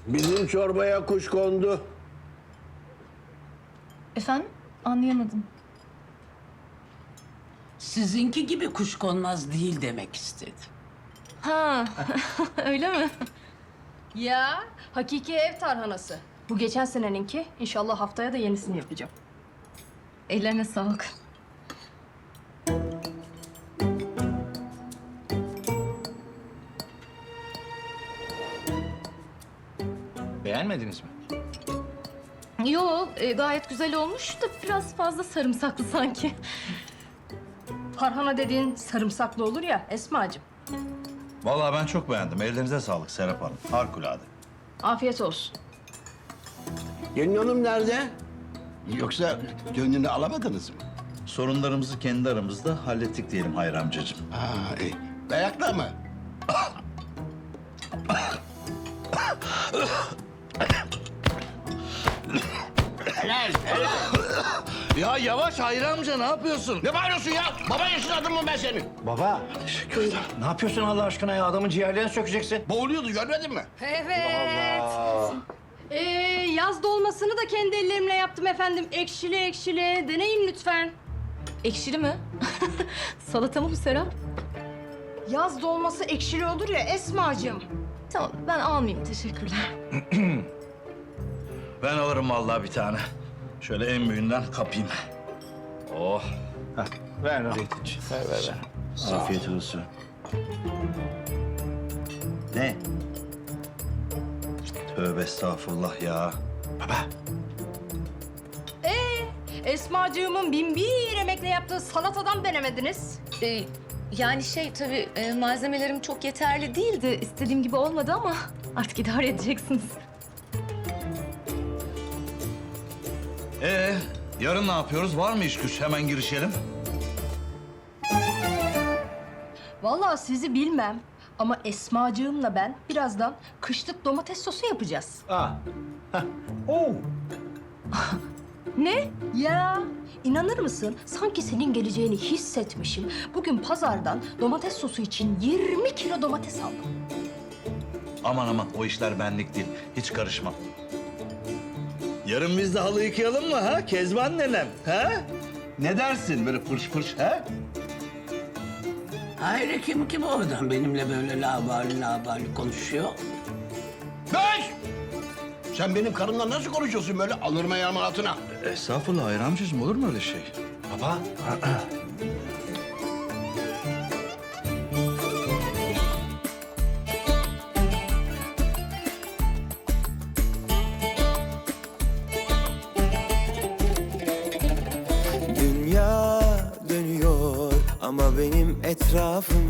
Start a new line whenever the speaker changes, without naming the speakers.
Bizim çorbaya kuş kondu.
Efendim? Anlayamadım.
Sizinki gibi kuşkonmaz değil demek istedim.
Ha, öyle mi?
Ya hakiki ev tarhanası. Bu geçen seneninki. İnşallah haftaya da yenisini yapacağım.
Ellerine sağlık.
Beğenmediniz mi?
Yo, gayet güzel olmuş da biraz fazla sarımsaklı sanki.
Tarhana dediğin sarımsaklı olur ya Esma'cığım.
Vallahi ben çok beğendim. Ellerinize sağlık Serap Hanım. Harikulade.
Afiyet olsun.
Gelin hanım nerede? Yoksa gönlünü alamadınız mı?
Sorunlarımızı kendi aramızda hallettik diyelim Hayri amcacığım.
Ha, iyi. Dayakla mı? Helal, helal.
Ya yavaş Hayri amca ne yapıyorsun?
Ne bağırıyorsun ya? Baba yaşadın mı ben senin?
Baba. Ne yapıyorsun Allah aşkına ya? Adamın ciğerlerini sökeceksin.
Boğuluyordu görmedin mi?
Evet. Yaz dolmasını da kendi ellerimle yaptım efendim. Ekşili ekşili. Deneyin lütfen.
Ekşili mi? Salata mı bu Serap?
Yaz dolması ekşili olur ya Esma'cığım.
Tamam, ben almayayım. Teşekkürler.
Ben alırım vallahi bir tane. Şöyle en büyüğünden kapayım. Oh.
Ver Nurettin'ciğim. Ver.
Afiyet olsun. Ne? Tövbe estağfurullah ya. Baba.
Esma'cığımın bin bir emekle yaptığı salatadan denemediniz.
Yani tabii malzemelerim çok yeterli değildi. İstediğim gibi olmadı ama artık idare edeceksiniz.
Yarın ne yapıyoruz? Var mı iş güç? Hemen girişelim.
Vallahi sizi bilmem ama Esma'cığımla ben birazdan kışlık domates sosu yapacağız.
Oo.
Ne? Ya inanır mısın? Sanki senin geleceğini hissetmişim. Bugün pazardan domates sosu için 20 kilo domates aldım.
Aman o işler benlik değil. Hiç karışmam. Yarın biz de halı yıkayalım mı ha? Kezban nenem ha? Ne dersin böyle fırş fırş ha?
Hayır kim oradan benimle böyle labali konuşuyor?
Beş! Sen benim karımla nasıl konuşuyorsun böyle alırım ayağımın altına?
Estağfurullah Hayri amcacığım olur mu öyle şey?
Baba.
Dünya dönüyor ama benim etrafım